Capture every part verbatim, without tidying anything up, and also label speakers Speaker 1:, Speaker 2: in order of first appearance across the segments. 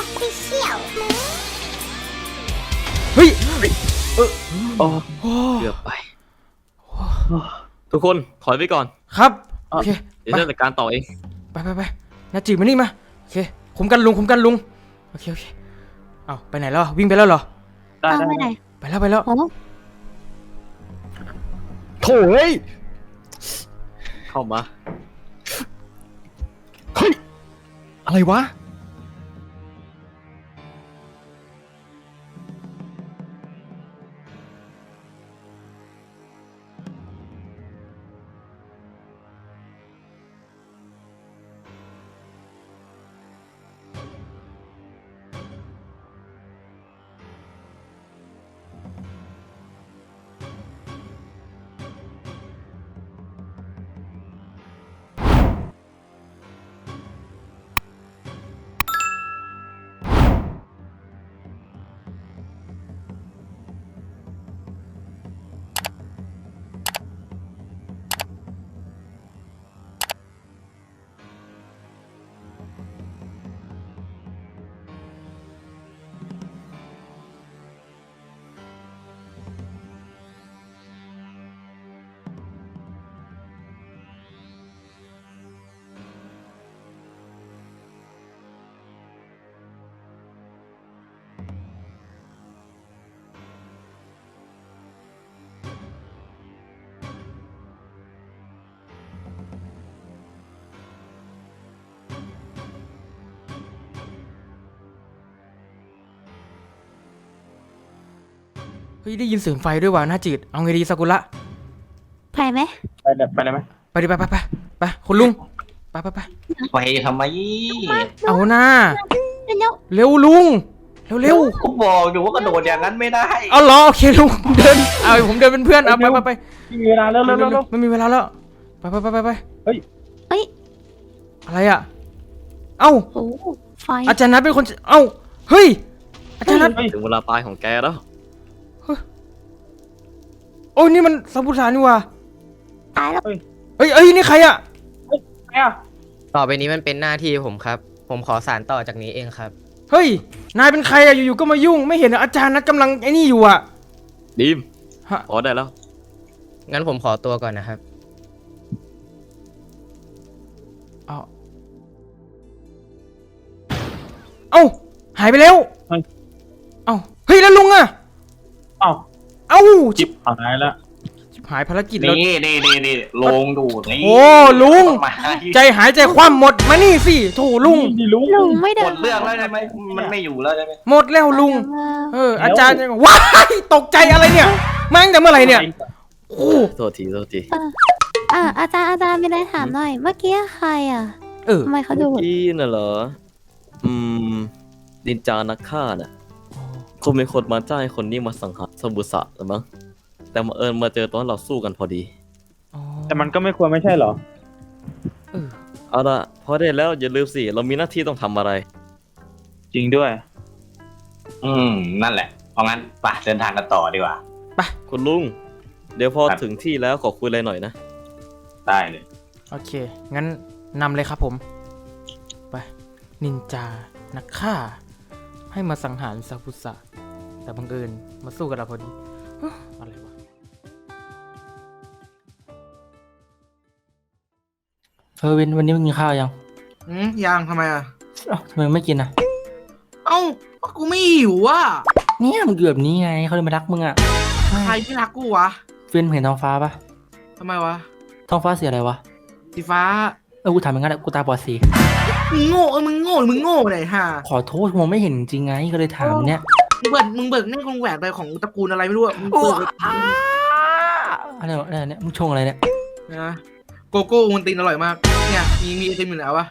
Speaker 1: Official
Speaker 2: เฮ้ยเออ
Speaker 3: โอ้
Speaker 2: โอ้
Speaker 3: เกือบไปทุกคนถอยไปก่อน
Speaker 2: ครับโอเค
Speaker 3: เดี๋ยวจะจัดการต่อเอง
Speaker 2: ไปไปไปนาจีมานี่มาโอเคคุมกันลุงคุมกันลุงโอเคโอเคเอาไปไหนแล้ววิ่งไปแล้วเหรอ
Speaker 3: ได้
Speaker 1: เอา
Speaker 3: ได้
Speaker 1: ไปไหน
Speaker 2: ไปแล้วไปแล้ว
Speaker 1: โอ้
Speaker 4: โถ่เฮ้ย
Speaker 3: เข้ามา
Speaker 4: เฮ้ยอะไรวะ
Speaker 2: เฮ้ยได้ยินเสียงไฟด้วยว่ะนาจีเอาไงดีซากุระ
Speaker 1: ไปไหม
Speaker 3: ไปเลยไปเลยไหม
Speaker 2: ไปดิไปไปไปไปคุณลุงไปไปไป
Speaker 5: ไปทำไม
Speaker 2: เอาหน้า
Speaker 1: เร็ว
Speaker 2: เร็วลุงเร็วเร็ว
Speaker 5: กูบอกอยู่ว่ากระโดดอย่างนั้นไม่ได้
Speaker 2: เอาเหรอโอเคลุงเดินเอาผมเดินเป็นเพื่อนเอาไปไปไป
Speaker 3: มีเวลาเร็วเร็วเร็วเร็ว
Speaker 2: ไม่มีเวลาแล้วไปไปไปไปไป
Speaker 1: เฮ้ย
Speaker 2: อะไรอ่ะเอ้า
Speaker 1: โอ้ไฟ
Speaker 2: อาจารย์นัทเป็นคนเอ้าเฮ้ยอาจารย์นัท
Speaker 3: ถึงเวลาตายของแกแล้ว
Speaker 2: โอ้ยนี่มันสัมพุทธานี่ว่ะ
Speaker 1: ตายแล้ว
Speaker 2: เอ้ยเอ้ยนี่ใครอ่ะ
Speaker 6: ต่อไปนี้มันเป็นหน้าที่ผมครับ ผมขอสานต่อจากนี้เองครับ
Speaker 2: เฮ้ยนายเป็นใครอ่ะอยู่ๆก็มายุ่งไม่เห็นเหรออาจารย์นัทกำลังไอ้นี่อยู่อ่ะ
Speaker 3: ดีม
Speaker 2: ฮะ
Speaker 3: พอได้แล้ว
Speaker 6: งั้นผมขอตัวก่อนนะครับ
Speaker 2: เอาเอ้าหายไปแล้ว
Speaker 3: เฮ้ย
Speaker 2: เอ้าเฮ้ยแล้วลุงอ่ะ
Speaker 3: อ้าว
Speaker 2: เอ้า
Speaker 3: จิบหายแล้ว
Speaker 2: ชิบหายภารกิจแล้ว
Speaker 5: นี่นี่นี่นี่ลงดูนี่
Speaker 2: โอ้ลุง
Speaker 5: มา
Speaker 2: ใจหายใจคว่ำหมดมานี่สิโถลุง
Speaker 3: นี่ลุง
Speaker 1: ลุงไม่เดิ
Speaker 5: หม
Speaker 1: น
Speaker 5: ดเรื่องแล้วใช่ไหมมันไม่อยู่แล้วใช่ไหม
Speaker 2: หมดแล้วลุง
Speaker 1: เออ
Speaker 2: เอออาจารย์ยังว้ายตกใจอะไรเนี่ยมาตั้งแต่เมื่อไหร่เนี่ยโอ้
Speaker 3: โทษทีโทษที
Speaker 1: อ่ะอาจารย์อาจารย์มีอะไรถามหน่อย เมื่อกี้ใครอ่ะ
Speaker 2: เออ
Speaker 1: ทำไมเขาดู
Speaker 3: เมื่อกี้น่ะเหรออืมดินจานักฆ่าน่ะคงมีคนมาจ้างให้คนนี้มาสังหารสมุสะหรือมั้งแต่มาเอิญมาเจอตอนเราสู้กันพอดี
Speaker 2: อ๋อ
Speaker 7: แต่มันก็ไม่ควรไม่ใช่เหรอ
Speaker 2: เออ
Speaker 3: เอาละพอได้แล้วอย่าลืมสิเรามีหน้าที่ต้องทำอะไร
Speaker 7: จริงด้วย
Speaker 5: อืมนั่นแหละเพราะงั้นไปเดินทางกันต่อดีกว่า
Speaker 3: คุณลุงเดี๋ยวพอ
Speaker 5: ครับ
Speaker 3: ถึงที่แล้วขอคุยอะไรหน่อยนะ
Speaker 5: ได้เลย
Speaker 2: โอเคงั้นนำเลยครับผมไปนินจานักฆ่า ให้มาสังหารซากุสะแต่บังเอิญมาสู้กับเราพอดีเฮ้ออะไรวะ
Speaker 8: เออวินวันนี้มึงกินข้าวยัง
Speaker 9: อืมยังทำไมอ่ะ
Speaker 8: เอ้าทำไมไม่กินอ่ะ
Speaker 9: เอ้าก็กูไม่หิวอ่ะ
Speaker 8: เนี่ยมึงอยู่แบบนี้ไงเขาเลยมารักมึงอ่ะ
Speaker 9: ใครไม่รักกูวะ
Speaker 8: เฟินเห็นท้องฟ้าปะ
Speaker 9: ทำไมวะ
Speaker 8: ท้องฟ้าสีอะไรวะ
Speaker 9: สีฟ้า
Speaker 8: เออกูถามอย่างนั้นแหละกูตาบอดสี
Speaker 9: มึงโง่เออมึงโง่หรือมึงโง่ไหนฮะ
Speaker 8: ขอโทษมองไม่เห็นจริงไงก็เลยถามเนี่ย
Speaker 9: มึงเบิกมึงเบิกนี่คงแหวนไปของตระกูลอะไรไม่รู้อ่ะมึงเบิก
Speaker 8: อะไรวะอะไรเนี่ยมึงชงอะไรเนี่ย
Speaker 9: นะโกโก้มันตีนอร่อยมากเนี่ยมีมีไอติมอยู่ไหนวะ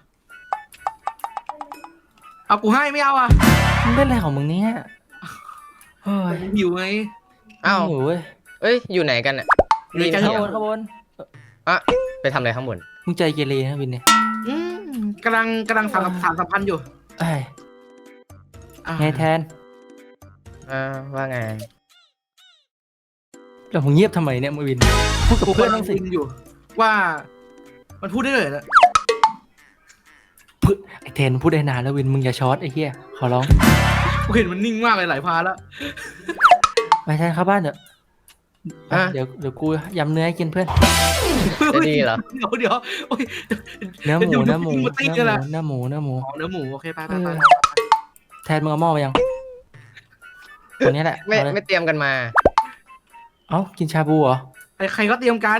Speaker 9: เอากูให้ไม่เอาอ่ะ
Speaker 8: มึงเล่นอะไรของมึงเนี่ยเฮ้ย
Speaker 9: หิวไง
Speaker 6: อ้าว
Speaker 8: โอ้ย
Speaker 6: เอ้ย อยู่ไหนกันอ่ะ
Speaker 9: อยู่ในใจ
Speaker 8: ข้าง
Speaker 9: เหี่
Speaker 8: บนข้างบน
Speaker 6: อ่ะไปทำอะไรข้างบน
Speaker 8: มึงใจเกเรนะวินเนี่ย
Speaker 9: อืมกำลังกำลังสารสารสัมพันธ์อยู่
Speaker 8: ไอ้ย
Speaker 9: อ่ะ
Speaker 8: ไงแทน
Speaker 6: อ่า ว่าไง
Speaker 8: แล้วมึงเงียบทำไมเนี่ยมึงวินพูดกับ
Speaker 9: กู
Speaker 8: เพื่
Speaker 9: เพื่
Speaker 8: อ
Speaker 9: อน น
Speaker 8: บ้างสิ
Speaker 9: คุยอยู่ ว่า มันพูดได้เลยนะ
Speaker 8: พูดไอเทนพูดได้นานแล้ววินมึงอย่าช็อตไอ้เหี้ยขอร้อง
Speaker 9: กูเห็นมันนิ่งมากเลยหลายพาแล้ว
Speaker 8: ไม่ใช่ครับบ้านเดี๋ยว
Speaker 6: อ่ะ
Speaker 8: เดี๋ยวเดี๋ยวกูยำเนื้อให้กินเพื่อน
Speaker 6: จะดีเหรอ
Speaker 9: เดี๋ยวเดี๋ยวโอ้ย
Speaker 8: เนื้อหมู
Speaker 9: ดี๋ยว
Speaker 8: เนื้อหมู
Speaker 9: ดี๋ยว
Speaker 8: เนื้
Speaker 9: ตี
Speaker 8: อ
Speaker 9: กันละ
Speaker 8: หมูเนื้อหมู
Speaker 9: อ๋อเนื้อหมูโอเคไปไปไป
Speaker 8: แทนมึงเอาหม้อมายังคนนี้แหละ
Speaker 6: ไม่
Speaker 8: เอาเลย
Speaker 6: ไม่เตรียมกันมา
Speaker 8: เอ้ากินชาบูเหรอ
Speaker 9: ใครใครก็เตรียมกัน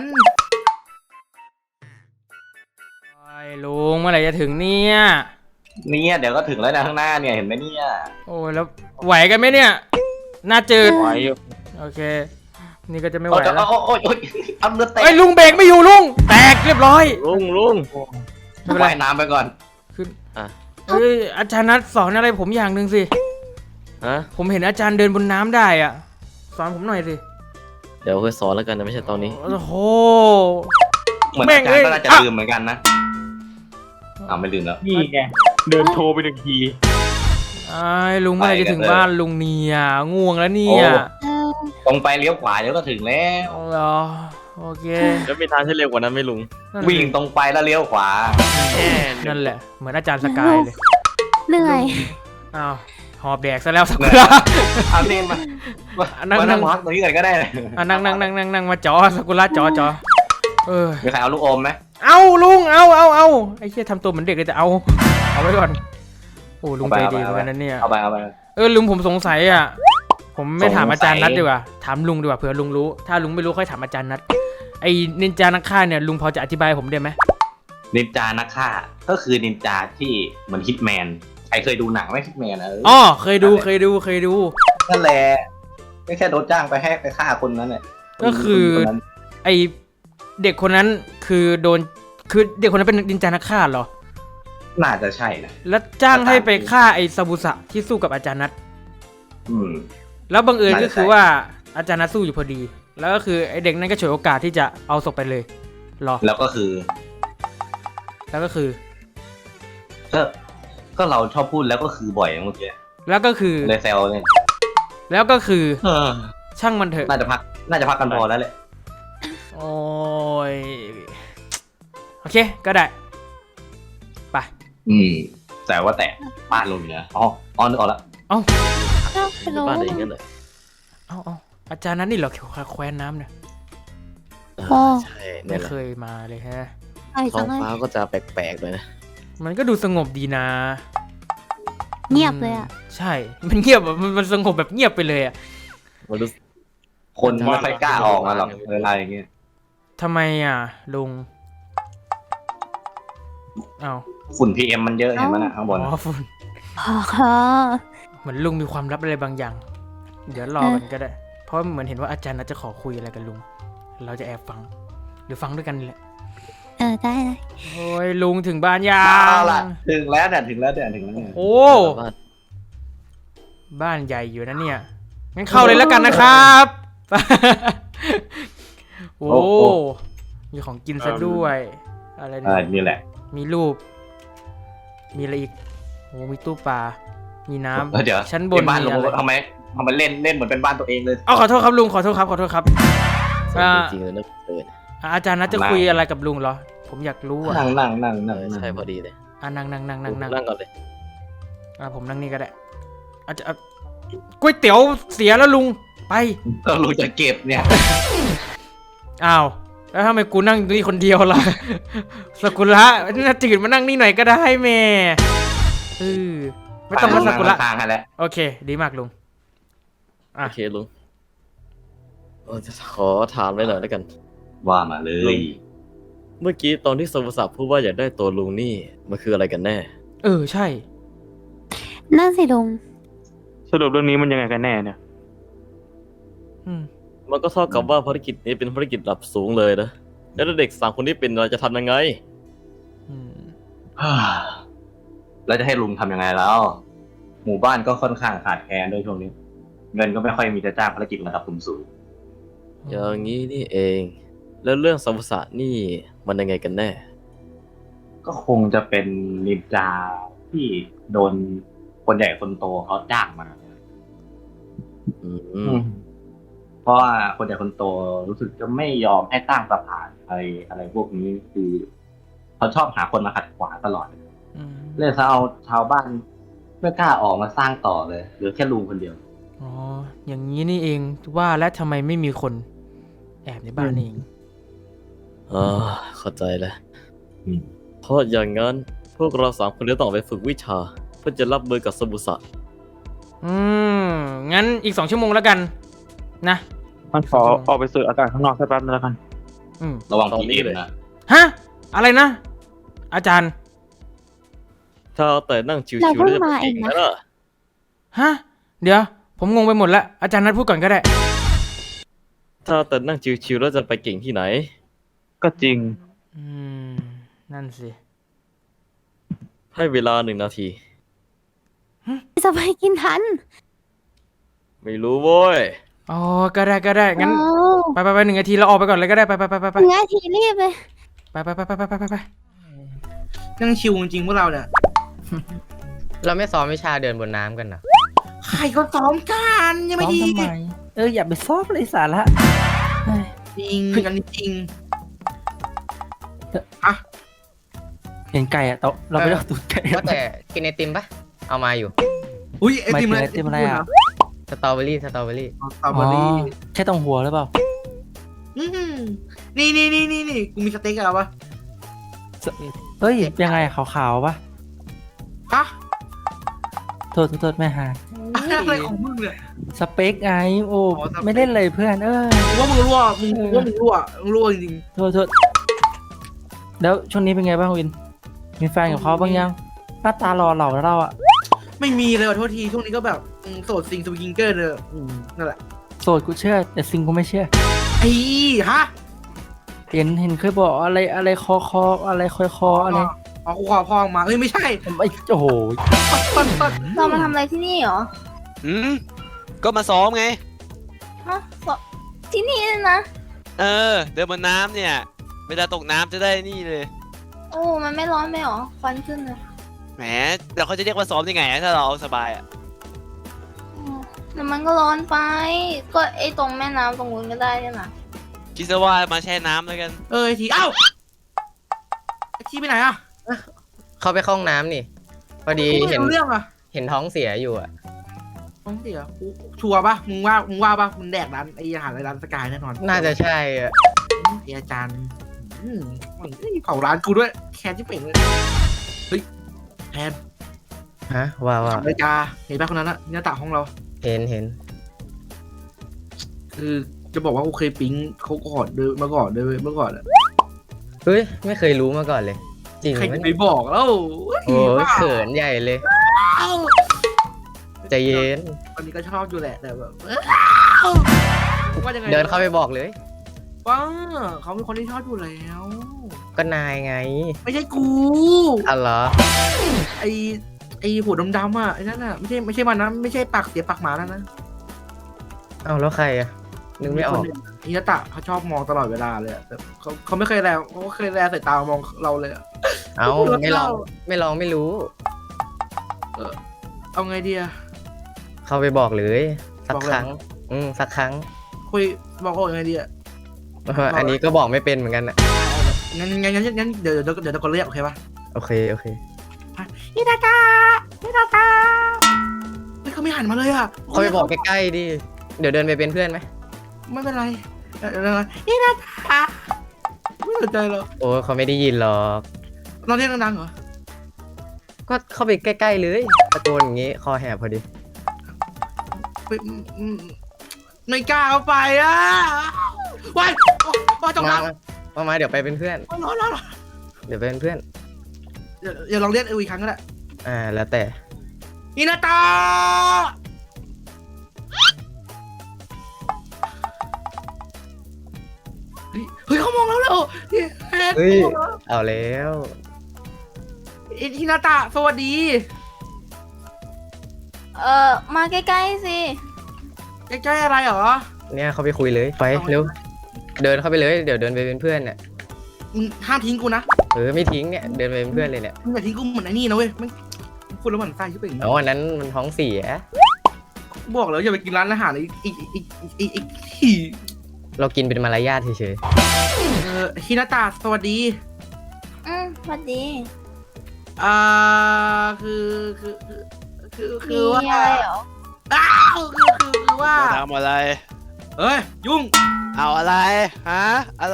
Speaker 2: ไอ้ลุงเมื่อไหร่จะถึงเนี่ย
Speaker 5: เนี่ยเดี๋ยวก็ถึงแล้วนะข้างหน้าเนี่ยเห็นไหมเนี่ย
Speaker 2: โอ้ยแล้วไหวกันไหมเนี่ยหน่าจืด
Speaker 7: ไหวอยู่
Speaker 2: โอเค นี่ก็จะไม่ไหว
Speaker 5: โอ้ย
Speaker 2: แล้ว
Speaker 5: โอ้ยโอ้ยโอ้ยเอาเรือเตะ
Speaker 2: ไอ้ยลุงเบรกไม่อยู่ลุงแตกเรียบร้อย
Speaker 3: ลุงลุง
Speaker 2: ไม่เป็นไร
Speaker 5: ว่ายน้ำไปก่อน
Speaker 2: ขึ้น
Speaker 3: อ่ะ
Speaker 2: เอ้ยอาจารย์นัดสอนอะไรผมอย่างหนึ่งสิ
Speaker 3: ฮะ
Speaker 2: ผมเห็นอาจารย์เดินบนน้ำได้อ่ะ สอนผมหน่อยสิ
Speaker 3: เดี๋ยวค่อยสอนแล้วกันนะไม่ใช่ตอนนี้
Speaker 2: โอ้โห
Speaker 5: เหมือน
Speaker 2: แม่
Speaker 5: อาง จารย์ก็
Speaker 2: เอ้ย
Speaker 5: น่าจะ
Speaker 2: อ่ะ
Speaker 5: ลืมเหมือนกันนะอ้าวไม่ลืมแล้ว
Speaker 7: นี่ไง เดินโทรไปหนึ่งที
Speaker 2: ไอ้ลุงเมื่อไหร่จะถึง
Speaker 5: ไปกันเลย
Speaker 2: บ้านลุงเนี่ยง่วงแล้วเนี่ย
Speaker 1: เออ
Speaker 5: ตรงไปเลี้ยวขวาเดี๋ยวก็ถึงแล้ว
Speaker 2: เอาเหรอโอเค
Speaker 3: แล้วมีทางที่เร็วกว่านั้นไหมลุง
Speaker 2: นั่น
Speaker 5: วิ่งตรงไปแล้วเลี้ยวขวา
Speaker 2: นั่นแหละ เหมือนอาจารย์สกายเลย
Speaker 1: เหนื่อย
Speaker 2: อ้าวหอบแดกซะแล้วสักครา
Speaker 5: เอาเนมมามา
Speaker 2: นั่ง
Speaker 5: มา
Speaker 2: นั่
Speaker 5: นั่
Speaker 2: ง
Speaker 5: งพักตรงนี้กันก็ได้เลย
Speaker 2: อ่ะนั่งนั่งนั่งนั่งนั่งมาจอสกุระจอจอเออ
Speaker 5: มีใครเอาลูกอมไหม
Speaker 2: เอาลุงเอาเอาเอาไอ้เชี่ยทำตัวเหมือนเด็กเลยแต่เอาเอาไว้ก่อนโอ้ลุงใจดีเหมือนกันนะเนี่ย
Speaker 5: เอาไปเอาไป
Speaker 2: เออลุงผมสงสัยอ่ะผมไม่ถาม
Speaker 5: สงสัย
Speaker 2: อาจารย์นัดดีกว่าถามลุงดีกว่าเผื่อลุงรู้ ถ้าลุงไม่รู้ค่อยถามอาจารย์นัดไอ้นินจานักฆ่าเนี่ยลุงพอจะอธิบายให้ผมได้ไหม
Speaker 5: นินจานักฆ่าก็คือนินจาที่เหมือนฮิตแมนใครเคยดูหนังไหมฮิตแมนเออ
Speaker 2: อ๋อเคยดูเคยดูเคยดู
Speaker 5: นั่นแหละก็แค่โดนจ้างไปให้ไปฆ่าคนนั้นแหละ
Speaker 2: ก็คือ
Speaker 5: คนนั้น
Speaker 2: ไอเด็กคนนั้นคือโดนคือเด็กคนนั้นเป็นนินจานักฆ่าเหรอ
Speaker 5: น่าจะใช่นะ
Speaker 2: แล้วจ้างให้ไปฆ่าไอซาบุสะที่สู้กับอาจารย์นัท
Speaker 5: อืม
Speaker 2: แล้วบังเอิญ
Speaker 5: น่าจะ
Speaker 2: ก็คือ
Speaker 5: ใช่
Speaker 2: ว่าอาจารย์นัทสู้อยู่พอดี แล้วก็คือไอเด็กนั้นก็ฉวยโอกาสที่จะเอาศพไปเลยเหรอ
Speaker 5: แล้วก็คือ
Speaker 2: แล้วก็คือ
Speaker 5: ก็ก็เราชอบพูดแล้วก็คือบ่อยเมื่อกี้
Speaker 2: แล้วก็คือ
Speaker 5: เลยแซวเลย
Speaker 2: แล้วก็คือ
Speaker 5: เออ
Speaker 2: ช่างมันเถอะ
Speaker 5: น่าจะพักน่าจะพักกันพอแล้วแหละ
Speaker 2: โอ้ยโอเคก็ได้ไป
Speaker 5: อืม แต่ว่าแต่ป้าลงอยู่นะอ๋ออ๋อนึกออกแล้ว
Speaker 2: เอ้า
Speaker 1: เอ้าไปรู้
Speaker 3: บ้านไหนอย่างนั้นเลย
Speaker 2: เอ้าเอ้าอาจารย์นั้นนี่เหรอเกี่ยวกับแคว้นน้ำเนี่ย
Speaker 1: โอ้
Speaker 3: ใช่
Speaker 2: ไม่
Speaker 3: นี่แหละ
Speaker 2: เคยมาเลยฮะ
Speaker 1: ไอ้
Speaker 3: ท้อ
Speaker 1: จั
Speaker 3: ง
Speaker 1: งเลย
Speaker 3: ฟ้าก็จะแปลกๆเลยนะ
Speaker 2: มันก็ดูสงบดีนะ
Speaker 1: เงียบเลยอ่ะ
Speaker 2: ใช่ มันเงียบอะมันมันสงบแบบเงียบไปเลยอะ
Speaker 3: มันรู้
Speaker 5: คนไม่ค่อยกล้าออกมาหรอกเวลาอย่างเงี้ย
Speaker 2: ทำไมอ่ะลุงเอ้า
Speaker 5: ฝุ่น พี เอ็ม มันเยอะเห็นไหมนะข้างบน
Speaker 2: อ๋อฝุ่น
Speaker 1: พอ
Speaker 2: เหมือนลุงมีความลับอะไรบางอย่าง เดี๋ยวรอกันก็ได้ เพราะเหมือนเห็นว่าอาจารย์น่าจะขอคุยอะไรกับลุง เราจะแอบฟัง หรือฟังด้วยกันนี่แหละ
Speaker 1: เออได้เลย
Speaker 2: โอ้ยลุงถึงบ้านยั
Speaker 5: เอา
Speaker 2: ง
Speaker 5: ล่ะถึงแล้วเนี่ยถึงแล้วเนี่ยถึงแล้วเนี่ย
Speaker 2: โอ้
Speaker 3: บ้าน
Speaker 2: บ้านใหญ่อยู่นะเนี่ย งั้นเข้าเลยแล้วกันนะครับ โอ้ มีของกินซะด้วย อะไร
Speaker 5: เออ
Speaker 2: เนี่ย
Speaker 5: นี่แหละ
Speaker 2: มีรูป มีอะไรอีก โอ้ มีตู้ปลา มีน้
Speaker 5: เออเดี๋ยว
Speaker 2: ำชั้นบน
Speaker 5: บ้าน
Speaker 2: มี
Speaker 5: ลง
Speaker 2: อะไร
Speaker 5: ทำไมทำไมเล่นเล่นเหมือนเป็นบ้านตัวเองเลย
Speaker 2: เอาขอโทษครับลุง ขอโทษครับ ขอโทษครับ
Speaker 3: สวยจริงๆเลยนะเออ
Speaker 2: อ่ะอาจารย์นัทจะคุยอะไรกับลุงเหรอ ผมอยากรู้อ่ะ
Speaker 5: นั่งนั่งนั่ง
Speaker 3: เอ
Speaker 5: นั่ง
Speaker 3: อ
Speaker 5: นั่ง
Speaker 3: ใช่พอดีเลย
Speaker 2: อ่ะนั่งนั่งนั่งนั่งนั่ง
Speaker 3: นั่งก่อนเลย
Speaker 2: อ่ะผมนั่งนี่ก็ได้อาจจะอ่ะก๋วยเตี๋ยวเสียแล้วลุง ไป
Speaker 5: ก็รู้จะเก็บเนี่ย
Speaker 2: อ้าว แล้วทำไมกูนั่งนี่คนเดียวล่ะ สกุละน่าจืดมานั่งนี่หน่อยก็ได้แม่เออไม่ต้องมาสกุละ
Speaker 5: ทางให้แล้ว
Speaker 2: โอเค ดีมากลุง อ่ะ
Speaker 3: โอเคลุงเออจะขอถามเลยหน่อยแล้วกัน
Speaker 5: ว่ามาเลย
Speaker 3: เมื่อกี้ตอนที่สมุทรศักดิ์พูดว่าอยากได้ตัวลุงนี่มันคืออะไรกันแน่
Speaker 2: เออ ใช่
Speaker 1: นั่นสิลุง
Speaker 7: สรุปเรื่องนี้มันยังไงกันแน่เนี่ย
Speaker 2: อืม
Speaker 3: มันก็เท่ากับว่าภารกิจนี้เป็นภารกิจระดับสูงเลยนะ แล้วถ้าเด็กสามคนนี้เป็นเราจะทำยังไง
Speaker 2: อืม
Speaker 5: แล้วจะให้ลุงทำยังไงแล้ว หมู่บ้านก็ค่อนข้างขาดแคลนด้วยช่วงนี้ เงินก็ไม่ค่อยมีจะจ้างภารกิจระดับสูง
Speaker 3: อย่างนี้นี่เอง แล้วเรื่องสมุทรศักดิ์นี่มันยังไงกันแน่
Speaker 5: ๆก็คงจะเป็นนินจาที่โดนคนใหญ่คนโตเขาจ้างมา
Speaker 3: อืม
Speaker 5: เพราะว่าคนใหญ่คนโตรู้สึกจะไม่ยอมให้ตั้งสะพานอะไรอะไรพวกนี้คือเขาชอบหาคนมาขัดขวางตลอด
Speaker 2: อืม
Speaker 5: เลยถ้าเอาชาวบ้านไม่กล้าออกมาสร้างต่อเลยเหลือแค่ลุงคนเดียว
Speaker 2: อ๋อ อย่างนี้นี่เองว่าแล้วทำไมไม่มีคนแอบในบ้านนี่เอง
Speaker 3: อ่าเข้าใจแล้ว
Speaker 5: อืม
Speaker 3: เพราะอย่างนั้นพวกเราสามคนจะต้องไปฝึกวิชา เพื่อจะรับมือกับสบุสะ
Speaker 2: อืม งั้นอีกสองชั่วโมงแล้วกัน นะ
Speaker 7: มันขอออกไปสูดอากาศข้างนอกสักแป๊บนึงแล้วกัน
Speaker 2: อืม
Speaker 5: ระวัง
Speaker 3: ตอน
Speaker 5: พี
Speaker 3: นี้
Speaker 5: เอ็ม
Speaker 3: เลย
Speaker 5: นะ
Speaker 2: ฮะ อะไรนะ อาจารย์
Speaker 3: ถ้าเอาแต่นั่งชิว
Speaker 1: เรา
Speaker 3: ๆ
Speaker 1: เพิ่
Speaker 3: แล้ว
Speaker 1: ง
Speaker 3: จะไป
Speaker 1: มาเอ
Speaker 3: เก่
Speaker 1: ง
Speaker 3: ง
Speaker 1: นะ
Speaker 3: นะล่ะ
Speaker 2: ฮะ เดี๋ยว ผมงงไปหมดแล้ว อาจารย์นัดพูดก่อนก็ได้
Speaker 3: ถ้าเอาแต่นั่งชิวๆแล้วจะไปเก่งที่ไหน
Speaker 7: ก็จริง
Speaker 2: อืม นั่นสิ
Speaker 3: ให้เวลาหนึ่งนาที
Speaker 1: จะไปกินทัน
Speaker 3: ไม่รู้โว้ย
Speaker 2: อ๋อ ก็ได้ก็ได้ งั้น
Speaker 1: โอ้
Speaker 2: ไปไปไปหนึ่งนาทีเราออกไปก่อนเลยก็ได้ ไปไปไปไปไป
Speaker 1: หนึ่งนาทีรีบเลย
Speaker 2: ไปไปไปไปไปไปไป
Speaker 9: นั่งชิวจริงๆพวกเราเนี่ย
Speaker 6: เราไม่ซ้อมวิชาเดินบนน้ำกันนะ
Speaker 9: ใครก็ซ้อมกันยังไม่ดี
Speaker 8: ซ้อมทำไม เอออย่าไปซ้อมเลยสาระเฮ้ย
Speaker 9: จริงอันนี้จริง
Speaker 8: เห็นไก่อะโตะเราไม่ได้เอาตูดไก่
Speaker 6: ว่าแต่กินไอติมปะเอามาอยู่
Speaker 9: อุ้ยไอ
Speaker 8: หมาย
Speaker 9: ติม
Speaker 8: ถึง
Speaker 9: อะไร
Speaker 8: ไอติมอะไรอะ
Speaker 6: สตรอเบอรี่สตรอเบอรี่
Speaker 9: สตรอเบอรี่
Speaker 8: แค่ตรงหัวหรือเปล่า
Speaker 9: อืมนี่นี่นี่นี่นี่กูมีสเต็กอะไรวะ
Speaker 8: เฮ้ย ยังไงขาวๆปะ
Speaker 9: ฮะ
Speaker 8: โทษโทษโทษแม่หา
Speaker 9: อะไรของมึงเนี่ย
Speaker 8: สเปคไง โอ้
Speaker 9: อ๋อสเปค
Speaker 8: ไม่เล่นเลยเพื่อน เออ
Speaker 9: กูว่ามึงรั่วมึงกูว่ามึงรั่วมึงรั่วจริง
Speaker 8: โทษโทษแล้วช่วงนี้เป็นไงบ้างวิน มีแฟนกับเขาบ้างยัง หน้าตาหล่อเหล่าแล้วเราอะ
Speaker 9: ๆไม่มีเลยขอโทษทีช่วงนี้ก็แบบอืมโสดซิงสวิงเกอร์เลยอืมนั่นแหละ
Speaker 8: โสดกูเชื่อ แต่ซิงกูไม่เชื่อ
Speaker 9: ไอ้ฮะ
Speaker 8: เห็นเห็นเคยบอกอะไรอะไรคอคออะไรคอยคออะไร
Speaker 9: อ๋อกูขอพองมาเอ้ยไม่ใช่
Speaker 8: ไอ้โอ้โห
Speaker 9: ต้นต้น
Speaker 1: เรามาทำอะไรที่นี่เหรอ
Speaker 10: อืมก็มาซ้อมไง
Speaker 1: ฮะสที่นี่นะ
Speaker 10: เออ เดินบนน้ำเนี่ย เวลาตกน้ำจะได้นี่เลย
Speaker 1: โอ้ มันไม่ร้อนไหมหรอ ควันขึ้นเลย
Speaker 10: แหมเราเขาจะเรียกว่าซ้อมยังไงอะถ้าเราเอาสบายอ่ะ
Speaker 1: อืมแต่มันก็ร้อนไป ก็ไอตรงแม่น้ำตรงนู้นก็ได้เนี่ยนะ
Speaker 10: คิดซะว่ามาแช่น้ำแล้วกัน
Speaker 9: เออไอทีเอ้าไอทีไปไหนอ่ะ
Speaker 6: เข้าไปเข้าห้องน้ำนี่ พอดี
Speaker 9: กูไม่
Speaker 6: เห็น
Speaker 9: รู้เรื่องอ่ะ
Speaker 6: เห็นท้องเสียอยู่อะ
Speaker 9: ต้องเสียกูชัวร์ปะมึงว่ามึงว่าปะมึงแดกร้านไออาหารในร้านสกายแน่นอน
Speaker 6: น่าจะใช่อะ
Speaker 9: ไออาจารย์อืมเฮ้ยเผาร้านกูด้วยแคนที่เป่งเลยเฮ้ยแทน
Speaker 6: ฮะว่าว่า
Speaker 9: นาฬิกาเห็นปะคนนั้นอะหน้าต่างห้องเรา
Speaker 6: เห็นเห็น
Speaker 9: คือจะบอกว่ากูเคยปิ๊งเขาก่อนด้วยเมื่อก่อนด้วยเมื่อก่อนอะ
Speaker 6: เฮ้ย ไม่เคยรู้มาก่อนเลย จริง
Speaker 9: ใคร
Speaker 6: ไหม
Speaker 9: จะไปบอกแล้ว
Speaker 6: โอ้ยเขินใหญ่เลย
Speaker 9: เอ้า
Speaker 6: ใจเย็น
Speaker 9: ตอนนี้ก็ชอบอยู่แหละแต่แบบว่ายังไง
Speaker 6: เดินเข้าไปบอกเลย
Speaker 9: ว้าเขาเป็นคนที่ชอบอยู่แล้ว
Speaker 6: ก็นายไง
Speaker 9: ไม่ใช่กู
Speaker 6: อ๋อเหรอ
Speaker 9: ไอไอหัวดำๆอ่ะไอ้นั่นอ่ะไม่ใช่ไม่ใช่มันนะไม่ใช่ปากเสียปากหมาแล้วนะ
Speaker 6: เอาแล้วใครอะนึกไม่ออก
Speaker 9: อินาตะเขาชอบมองตลอดเวลาเลยอะแต่เขาเขาไม่เคยแลเขาก็เคยแลสายตามองเราเลยอะ
Speaker 6: เอาไม่ลองไม่ลองไม่รู้
Speaker 9: เอาไงดีอะ
Speaker 6: เข้าไปบอกเลย สัก
Speaker 9: บอกเลย
Speaker 6: ครั้ง อืมสักครั้ง
Speaker 9: คุยบอกเขายังไงดีอะ
Speaker 6: เอออันนี้ก็บอกไม่เป็นเหมือนกันอะ
Speaker 9: งั้นงั้นงั้นงั้นเดี๋ยวเดี๋ยวเดี๋ยวตะโกนเรียกโอเคปะ
Speaker 6: โอเคโอเค
Speaker 9: อินาตะอินาตะเฮ้ยเขาไม่หันมาเลยอะ
Speaker 6: เข้าไปบอกใกล้ๆดิเดี๋ยวเดินไปเป็นเพื่อนไหม
Speaker 9: ไม่เป็นไรเดี๋ยวเดี๋ยวเดี๋ยวอินาตะไม่สนใจหรอก
Speaker 6: โอ้เขาไม่ได้ยินหรอก
Speaker 9: เราเรียกดังๆเหรอ
Speaker 6: ก็เข้าไปใกล้ๆเลยตะโกนอย่างงี้คอแหบพอดี
Speaker 9: ไม่อืมไม่กล้าเอาไปอะว้ายว้ายจง
Speaker 6: มา
Speaker 9: รัก
Speaker 6: มามาเดี๋ยวไปเป็นเพื่อน
Speaker 9: ร้อนร้อนร้อน
Speaker 6: เดี๋ยวไปเป็นเพื่อน
Speaker 9: เดี๋ยวเดี๋ยวลองเรียกอีกครั้งก็ได้
Speaker 6: อ่าแล้วแต่
Speaker 9: อินาตาเฮ้ยเฮ้ยเขามองแล้วแล้วเฮ้ย
Speaker 6: เฮ้ยเอาแล้ว
Speaker 9: อินาตาสวัสดี
Speaker 1: เออมาใกล้ๆสิ
Speaker 9: ใกล้ๆอะไรเหรอ
Speaker 6: เนี่ยเขาไปคุยเลยไปเร็วเดินเข้าไปเลยเดี๋ยวเดินไปเป็นเพื่อนเนี่ย
Speaker 9: มึงห้ามทิ้งกูนะ
Speaker 6: เออไม่ทิ้งเนี่ยเดินไปเป็นเพื่อนเลยเนี่ย
Speaker 9: มึงอย่าทิ้งกูเหมือนไอ้นี่นะเว้ยมันพูดแล้วมันไส้ชิบเป็นอย่าง
Speaker 6: อ๋อ
Speaker 9: นี้
Speaker 6: อันนั้นมันท้องเสีย
Speaker 9: บอกแล้วอย่าไปกินร้านอาหารอีกอีกอีกอีกอีกอีก
Speaker 6: เรากินเป็นมารยาทเฉย
Speaker 9: เออฮินาตาสวัสดี
Speaker 1: อืมสวัสดี
Speaker 9: ออ่าคือคือคือคือคื
Speaker 1: มี
Speaker 9: อว่า
Speaker 1: อะไรเหรอ
Speaker 9: อ้าวคือคือคือว่า
Speaker 10: มาทำอะไร
Speaker 9: เอ้ยยุ่ง
Speaker 10: เอาอะไร ฮะ อะไร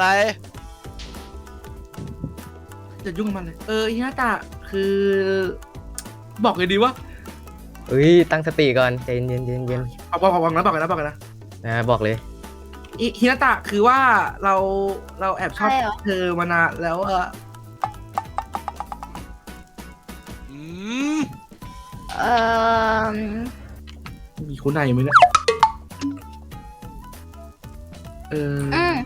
Speaker 9: จะยุ่งกับมันเลยเออฮินาตะคือ บอกเลยดีวะ
Speaker 6: เฮ้ย ตั้งสติก่อนใจเย็นเย็นเย็น
Speaker 9: เอาบอกบอกนะบอกกันนะบอกกันนะ
Speaker 6: นะบอกเลย
Speaker 9: อิฮินาตะคือว่าเราเราแอบชอบ
Speaker 1: ใช่เหรอ
Speaker 9: เธอมานานแล้วเออ
Speaker 10: อืม
Speaker 1: เออ
Speaker 9: มีคุณนายอยู่ไหมเนี่ยเออ
Speaker 1: อืม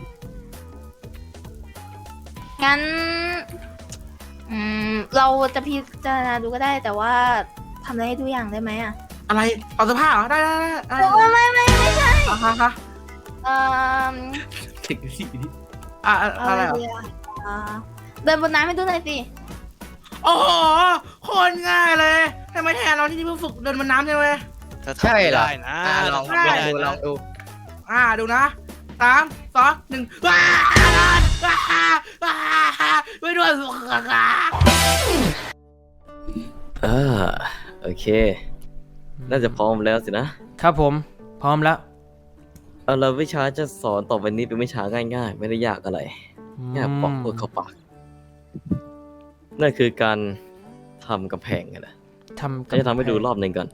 Speaker 1: งั้น อืม เราจะพิจารณาดูก็ได้ แต่ว่าทำอะไรให้ทุกอย่างได้ไหมอ่ะ
Speaker 9: อะไรเอาเสื้อผ้าเหรอได้ได้ได้ได้
Speaker 1: เออไม่ไม่ไม่ใช่
Speaker 9: อ่ะฮะฮะ
Speaker 1: เออ
Speaker 9: เด็กสิดิอ่ะอะ
Speaker 1: เอา
Speaker 9: อะไร
Speaker 1: อะไร
Speaker 9: เหรอ
Speaker 1: ดีอ่ะอ่าเดินบนน้ำให้ดูหน่อยสิ
Speaker 9: โอ้โหโคนง่ายเลยทำไมแทนเราที่นี่เพิ่งฝึกเดินบนน้ำใช่ไหม
Speaker 10: ถ้าทำ
Speaker 6: ใช่เหรอ
Speaker 10: ไม่ได้นะ
Speaker 6: อ่าลอง
Speaker 10: ทำไม่ได้
Speaker 6: ดูล
Speaker 10: นะ
Speaker 6: องดู
Speaker 9: อ่าดูนะสามสองหนึ่งว้าวว้าวว้าวไม่ด้วยสุขค่ะ
Speaker 3: อ่าโอเค น่าจะพร้อมแล้วสินะครับ
Speaker 2: ผม พร้อมแล้ว
Speaker 3: เอาละวิชาจะสอนต่อไปนี้เป็นวิชาง่ายๆ ไม่ได้ยากอะไรแค่ปอกเพื่อเข้าปากนั่นคือการทำกำแพงไงนะ
Speaker 2: ทำ
Speaker 3: จะทำให้ดูรอบหนึ่งก่อน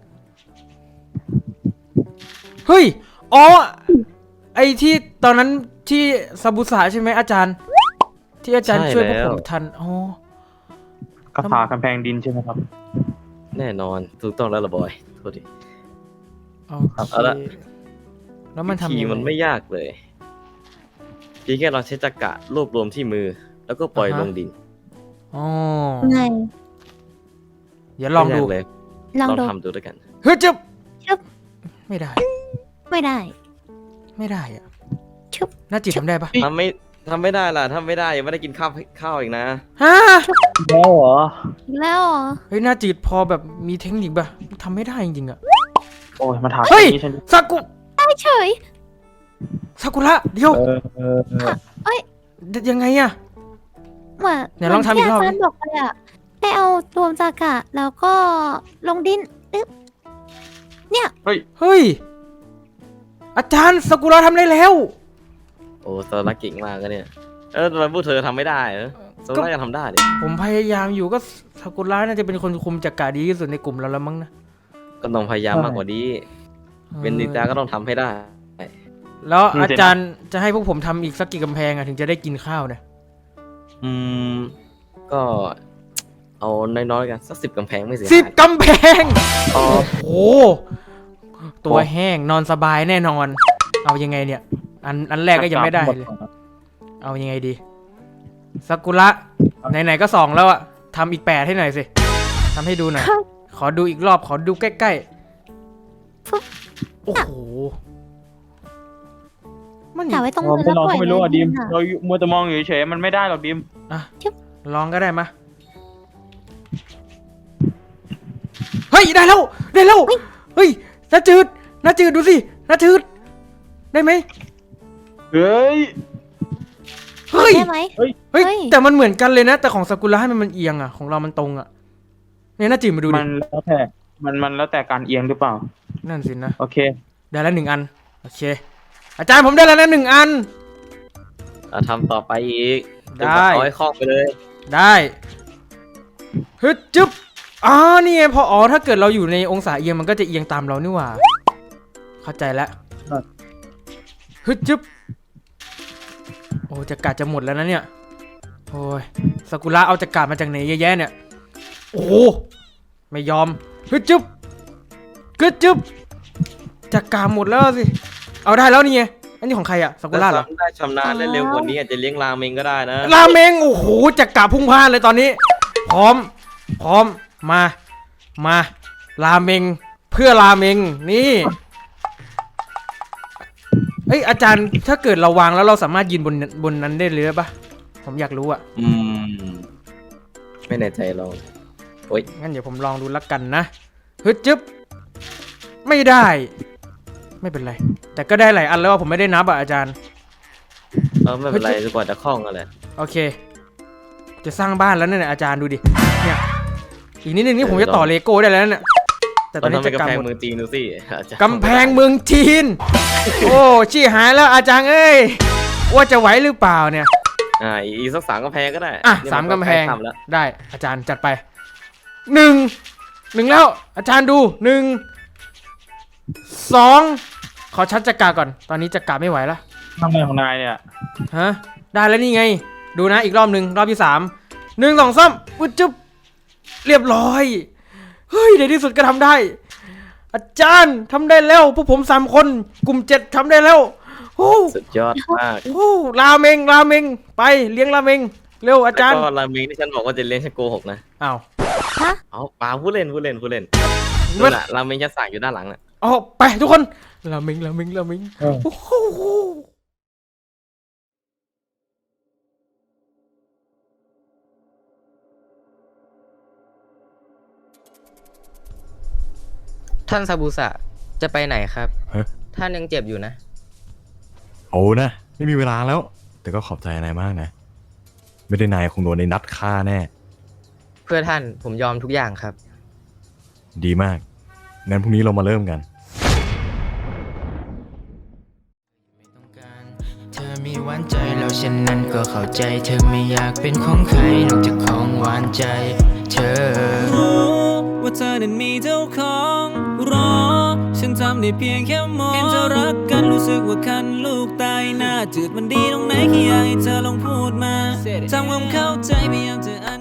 Speaker 2: เฮ้ย อ๋อ ไอที่ตอนนั้นที่ซาบุสะใช่ไหมอาจารย์ ที่อาจารย์
Speaker 3: ใช่
Speaker 2: ช่วยพวก
Speaker 3: แล้ว
Speaker 2: ผมทัน อ๋อ
Speaker 7: คาถากำแพงดินใช่ไหมครับ
Speaker 3: แน่นอนถูกต้องแล้วละบอยโทษที
Speaker 2: โอเค
Speaker 3: เอาละ
Speaker 2: แล้วมัน
Speaker 3: วิ
Speaker 2: ทำ
Speaker 3: ธี
Speaker 2: ยังไง
Speaker 3: มันไม่ยากเลยเพียงแค่เราใช้จักระรวบรวมที่มือ แล้วก็ปล่อย
Speaker 2: อ่าฮะ
Speaker 3: ลงดิน
Speaker 2: อ๋อ
Speaker 11: ไง
Speaker 2: เดี๋ยวลองดู
Speaker 3: ไม่ยากเลย
Speaker 11: ลอง
Speaker 3: ลอง
Speaker 11: ดู
Speaker 3: ทำดูด้วยกัน
Speaker 2: เฮ้ยจึ๊บ
Speaker 11: จึ๊บ
Speaker 2: ไม่ได้
Speaker 11: ไม่ได้
Speaker 2: ไม่ได้อะ
Speaker 11: ชึบ
Speaker 2: น่าจิตทำได้ปะ
Speaker 3: ทำไม่ทำไม่ได้ล่ะทำไม่ได้ยังไม่ได้กินข้าวข้าวอีกนะ
Speaker 2: ฮะ
Speaker 7: แล้วเหรอ
Speaker 11: อีกแล้วเหรอ
Speaker 2: เฮ้ยน่าจิตพอแบบมีเทคนิคปะทำไม่ได้จริงๆอะ
Speaker 7: โอ้ยมาถาม
Speaker 2: เฮ้ย
Speaker 7: นี้ฉัน
Speaker 2: ซากุ
Speaker 11: ได้เฉย
Speaker 2: ซากุระเดี๋ยว
Speaker 7: เออเออเออ
Speaker 11: เอ้ย
Speaker 2: ยังไงอะ
Speaker 11: เหมือน
Speaker 2: ไหนลองทำอีกรอบ
Speaker 11: เหมืนที่อาจารย์บอกเลยอะให้เอารวมจากะแล้วก็ลงดินอึ๊บเนี่ย
Speaker 2: เฮ้ย อาจารย์ซากุระทำได้แล้ว
Speaker 3: โอ้โซล่าเก่งมากก็เนี่ยเออทำไมพวกเธอทำไม่ได้เหรอโซล่าจะทำได้ดิ
Speaker 2: ผมพยายามอยู่ก็ซากุระน่าจะเป็นคนคุมจักระดีที่สุดในกลุ่มเราแล้วมั้งนะ
Speaker 3: ก็ต้องพยายามมากกว่านี้เป็นนินจาก็ต้องทำให้ได้
Speaker 2: แล้วอาจารย์จะให้พวกผมทำอีกสักกี่กำแพงอะถึงจะได้กินข้าวเนี่ย
Speaker 3: อืมก็เอาน้อยๆกันสักสิบกำแพงไม่เสีย
Speaker 2: สิบ
Speaker 3: หาย
Speaker 2: กำแพง
Speaker 3: อ๋อ
Speaker 2: โอ้โหตัวแห้งนอนสบายแน่นอน เอายังไงเนี่ย อันอันแรกก็ยังไม่ได้เลย เอายังไงดีซากุระไหนๆก็สองแล้วอะทำอีกแปดให้หน่อยสิทำให้ดูหน่อย
Speaker 11: ครับ
Speaker 2: ขอดูอีกรอบขอดูใกล้
Speaker 11: ปุ๊บ
Speaker 2: ๆ โอ้โห มัน
Speaker 11: แต่ไว้ตรง
Speaker 7: เรา
Speaker 11: มือ
Speaker 7: ไม่
Speaker 11: แล้ว
Speaker 7: ลอง
Speaker 11: ปล่อย
Speaker 7: ก็ไม่รู้อ่ะ
Speaker 11: ลง
Speaker 7: ดิม
Speaker 11: อะ
Speaker 7: เรามัวแต่มองอยู่เฉยๆมันไม่ได้หรอกดิม
Speaker 2: อ่ะ
Speaker 11: ชึบ
Speaker 2: ลองก็ได้มาเฮ้ยได้แล้วได้แล้วเฮ้ยน้าจืดน้าจืดดูสิน้าจืดได้ไหม
Speaker 7: เฮ้ย
Speaker 2: เฮ้ย
Speaker 11: ได้ไหม
Speaker 2: เฮ้ย
Speaker 11: เฮ้ย
Speaker 2: แต่มันเหมือนกันเลยนะ แต่ของซากุระให้มันมันเอียงอะของเรามันตรงอะเนี่ยน้าจืดมาดูดิ
Speaker 7: มันแล้วแต่มันมันแล้วแต่การเอียงหรือเปล่า
Speaker 2: นั่นสินะ
Speaker 7: โอเค
Speaker 2: ได้แล้วหนึ่งอันโอเค อาจารย์ผมได้แล้วนะหนึ่งอัน
Speaker 3: อ่ะทำต่อไปอีก
Speaker 2: ได้
Speaker 3: เอาให้คล่องไปเลย
Speaker 2: ได้ฮึดจึ๊บอ๋อนี่ไงพออ๋อถ้าเกิดเราอยู่ในองศาเอียงมันก็จะเอียงตามเรานี่หว่า เข้าใจแล้ว
Speaker 7: ครับ
Speaker 2: ฮึดจึ๊บโอ้จะกาดจะหมดแล้วนะเนี่ยโอ้ยซากุระเอาจะกาดมาจากไหนเยอะแยะเนี่ยโอ้โหไม่ยอมฮึดจึ๊บฮึดจึ๊บจะกาดหมดแล้วสิเอาได้แล้วนี่ไงอันนี้ของใครอะซากุระเหรอ
Speaker 3: ถ้าทำได้ชำนาญได้เร็วกว่านี้อาจจะเลี้ยงราเมงก็ได้นะ
Speaker 2: ราเมงโอ้โหจะกาพุ่งพล่านเลยตอนนี้ พร้อม พร้อมมามาราเมงเพื่อราเมงนี่เอ้ยอาจารย์ถ้าเกิดเราวางแล้วเราสามารถยืนบนบนนั้นได้เลยปะผมอยากรู้อะ
Speaker 3: อืมไม่แน่ใจลองโอ๊ย
Speaker 2: งั้นเดี๋ยวผมลองดูละกันนะฮึดจึ๊บไม่ได้ ไม่เป็นไร แต่ก็ได้หลายอันแล้วอะผมไม่ได้นับอะอาจารย์
Speaker 3: เออไม่เป็นไรจนกว่าจะคล่องกันแหละ
Speaker 2: โอเค จะสร้างบ้านแล้วเนี่ยอาจารย์ดูดิ เนี่ยอีกนิดนึงนี่ผมจะต่อเลโก้ได้แล้วเนี่ยแต่ต
Speaker 3: ต
Speaker 2: อ
Speaker 3: อน น
Speaker 2: นี้
Speaker 3: ทำเป็น
Speaker 2: จะ
Speaker 3: กำแพง
Speaker 2: กำหมด
Speaker 3: เมืองจีนดูสิอาจจะ
Speaker 2: กำแพงเมืองจีน โอ้ชี้หายแล้วอาจารย์เอ้ยว่าจะไหวหรือเปล่าเนี่ย
Speaker 3: อ่าอีกสักสามกำแพงก็ได้
Speaker 2: อ่ะ
Speaker 3: นี่น
Speaker 2: สามกำแพง
Speaker 3: ใล้ทำแล้ว
Speaker 2: ได้อาจารย์จัดไปหนึ่งหนึ่งแล้ว อาจารย์ดูหนึ่งสองขอชัดจักราก่อนตอนนี้จักราไม่ไหวแล้ว
Speaker 7: ทำไมของนายเนี่ย
Speaker 2: ฮะได้แล้วนี่ไง ดูนะอีกรอบหนึ่งรอบที่สามหนึ่งสองสามอุ๊ยจุ๊บเรียบร้อยเฮ้ยในที่สุดก็ทำได้ อาจารย์ทำได้แล้วพวกผมสามคนกลุ่มเจ็ดทำได้แล้วโอ้
Speaker 3: สุดยอดมาก
Speaker 2: โอ้ราเมงราเมงไปเลี้ยงราเมงเร็วอาจารย์
Speaker 3: แล้วก็ราเมงที่ฉันบอกว่าจะเลี้ยงฉันโกหกนะ
Speaker 2: อ้าว
Speaker 3: เอาเปล่าผู้เล่นผู้เล่นผู้เล่น
Speaker 2: มั
Speaker 3: นู่
Speaker 2: น
Speaker 3: นแหละราเมงจะสั่งอยู่ด้านหลังน่ะ
Speaker 2: อ๋อไปทุกคนราเมงราเมงราเมง
Speaker 7: เออ
Speaker 2: โอ้โห
Speaker 6: ท่านซาบุสะจะไปไหนครับ
Speaker 4: ฮะ
Speaker 6: ท่านยังเจ็บอยู่นะ
Speaker 4: โอ้นะ ไม่มีเวลาแล้ว แต่ก็ขอบใจนายมากนะ ไม่ได้นายคงโดนในนัดฆ่าแน่
Speaker 6: เพื่อท่านผมยอมทุกอย่างครับ
Speaker 4: ดีมาก งั้นพรุ่งนี้เรามาเริ่มกัน
Speaker 12: เธอมีหวานใจแล้วฉันนั้นก็เข้าใจ เธอไม่อยากเป็นของใครนอกจากของหวานใจ เธอรู้ว่าเธอนั้นมีเจ้าของรอฉันทำได้เพียงแค่มองเห็นเธอรักกันรู้สึกว่าคันลูกตายหน้าจืดมันดีตรงไหนแค่อยากให้เธอลองพูดมาทำความเข้าใจพยายามจะอ